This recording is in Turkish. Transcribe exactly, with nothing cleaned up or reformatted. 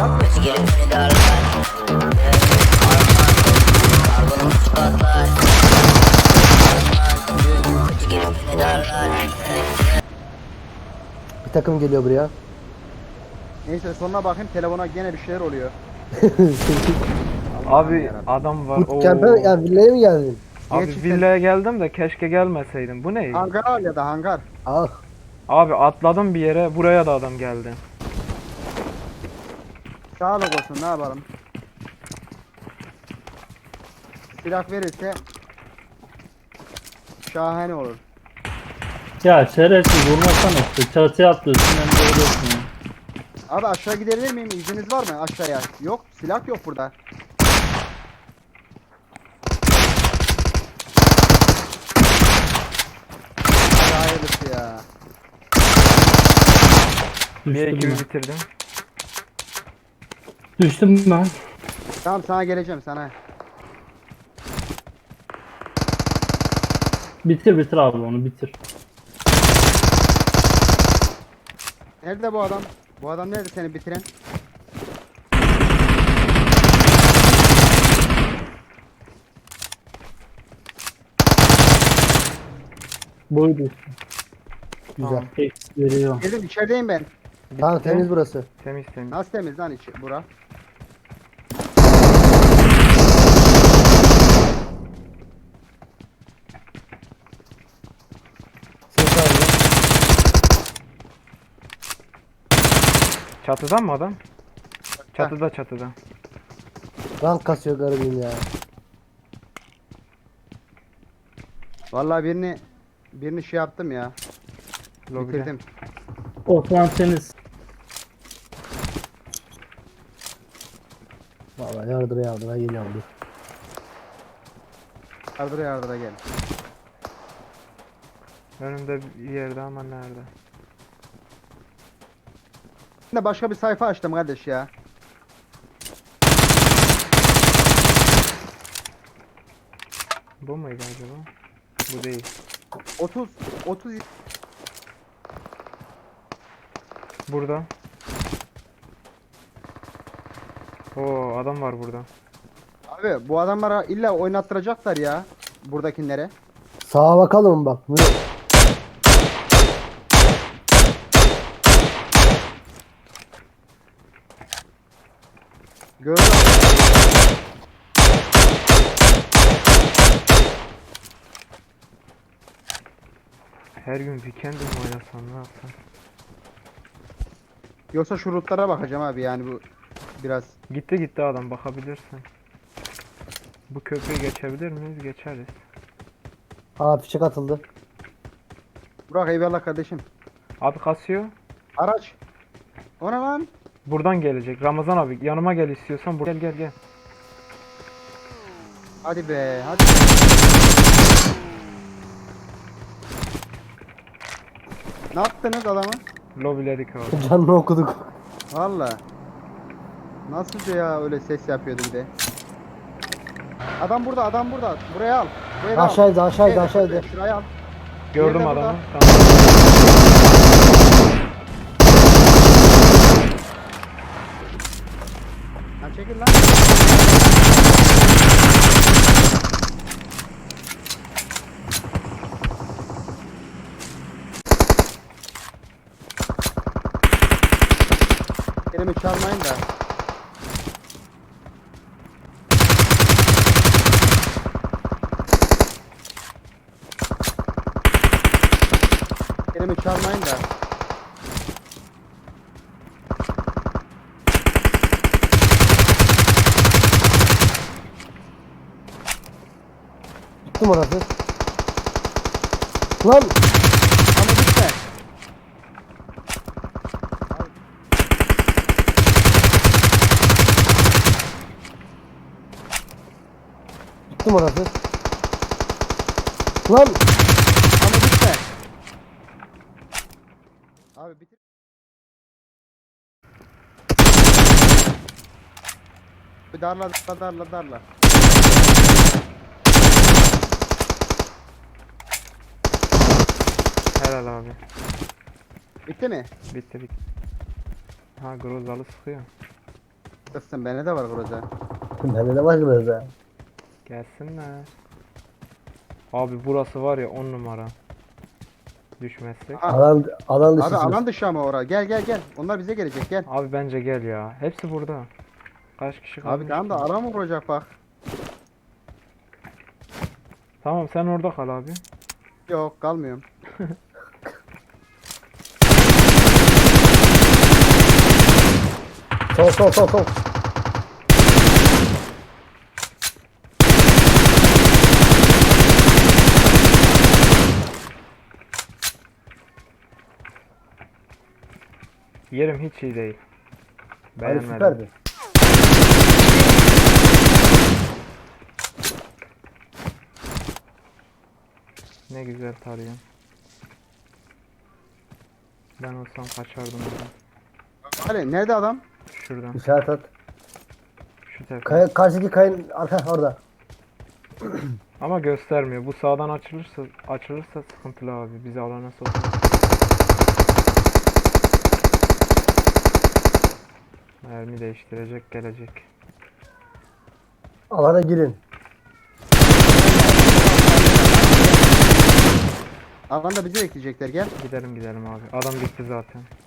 Gelip beni darlar. Karbonum patlar. Gelip beni darlar. Bir takım geliyor buraya. Neyse sonuna bakayım, telefona gene bir şeyler oluyor. Abi yarabbim. adam var. Bu kempe Oo. yani villaya mı geldin? Abi Gerçekten- villaya geldim de keşke gelmeseydim. Bu ne? Hangar al ya da hangar. Ah. Abi atladım bir yere. Buraya da adam geldi. Sağlık olsun, ne yapalım. Silah verirse şahane olur. Ya şerefsiz vurmasana işte. Çatıya atlıyorsun hem de ölüyorsun ya. Abi aşağı gidebilir miyim? İzniniz var mı aşağıya? Yok, silah yok burada. Hadi hayırlısı ya. Bir Düştüm ekibi ben. bitirdim. Düştüm ben. Tamam, sana geleceğim sana. Bitir bitir abi onu bitir. Nerede bu adam? Bu adam nerede seni bitiren? Buydu işte. Güzel. Tamam. Eksi veriyor. Geldim, içerideyim ben. Tamam temiz burası. Temiz temiz. Nasıl temiz lan içi bura? Ses alıyor. Çatıdan mı adam? Çatıda çatıda. Rank kasıyor garibim ya. Vallahi birini birini şey yaptım ya. Lobide. Bitirdim. Osman temiz. Vallahi yardıra yardıra geliyorum dur. Yardıra yardıra gel. Önümde bir yerde ama nerede? Şimdi başka bir sayfa açtım kardeş ya. Bu muydu acaba? Bu değil. otuz otuz Burada. Oo adam var burada. Abi bu adamlara illa oynattıracaklar ya buradakilere. Sağa bakalım bak. Bunu- Gördüm. Her gün weekend mi oynasam ne yapsam? Yoksa şu rootlara bakacağım abi, yani bu biraz. Gitti gitti adam, bakabilirsin. Bu köprüyü geçebilir miyiz? Geçeriz. Aa fişek atıldı. Burak eyvallah kardeşim. Abi kasıyor. Araç. O ne lan? Buradan gelecek. Ramazan abi yanıma gel istiyorsan. Bur- Gel gel gel. Hadi be hadi. Ne yaptınız adamı? Lobiledik abi. Canını okuduk. Valla. Nasıl ya, öyle ses yapıyordu bir de. Adam burada, adam burada. Buraya al. Buraya al. Aşağıydı aşağıydı Şuraya, aşağıydı. Şuraya al. Gördüm Nerede adamı. burada? Tamam. Lan çekil lan. Elimi çalmayın da. Elimi çalmayın da. Tuttum orası. Lan Ama gitme. tuttum orası. Lan Ama gitme. Abi bitir. Bir darla darla darla darla. Helal abi. Bitti mi? Bitti bitti. Ha Grozalı sıkıyor. Kızsın bende de var Groza. Bende de var biraz ha. Gelsinler. Abi burası var ya on numara. Düşmezsek. Ha, Alan, alan dışı. abi alan dışı ama ora. Gel gel gel. Onlar bize gelecek gel. Abi bence gel ya. Hepsi burada. Kaç kişi kalmış? Abi tamam da ki? alan mı vuracak bak. Tamam sen orada kal abi. Yok kalmıyorum. Sol sol sol sol. Yerim hiç iyi değil. Hadi Beğenmedim. süperdi. Ne güzel tarıyorum. Ben olsam kaçardım oradan. Hadi nerede adam? Şuradan. İşaret at. Şu tepe. Kaya, karşıdaki kayın arka orada. Ama göstermiyor. Bu sağdan açılırsa açılırsa sıkıntılı abi. Bizi alana sokar. Mermi değiştirecek gelecek. Alana girin. Alanda bizi bekleyecekler gel. Gidelim gidelim abi. Adam gitti zaten.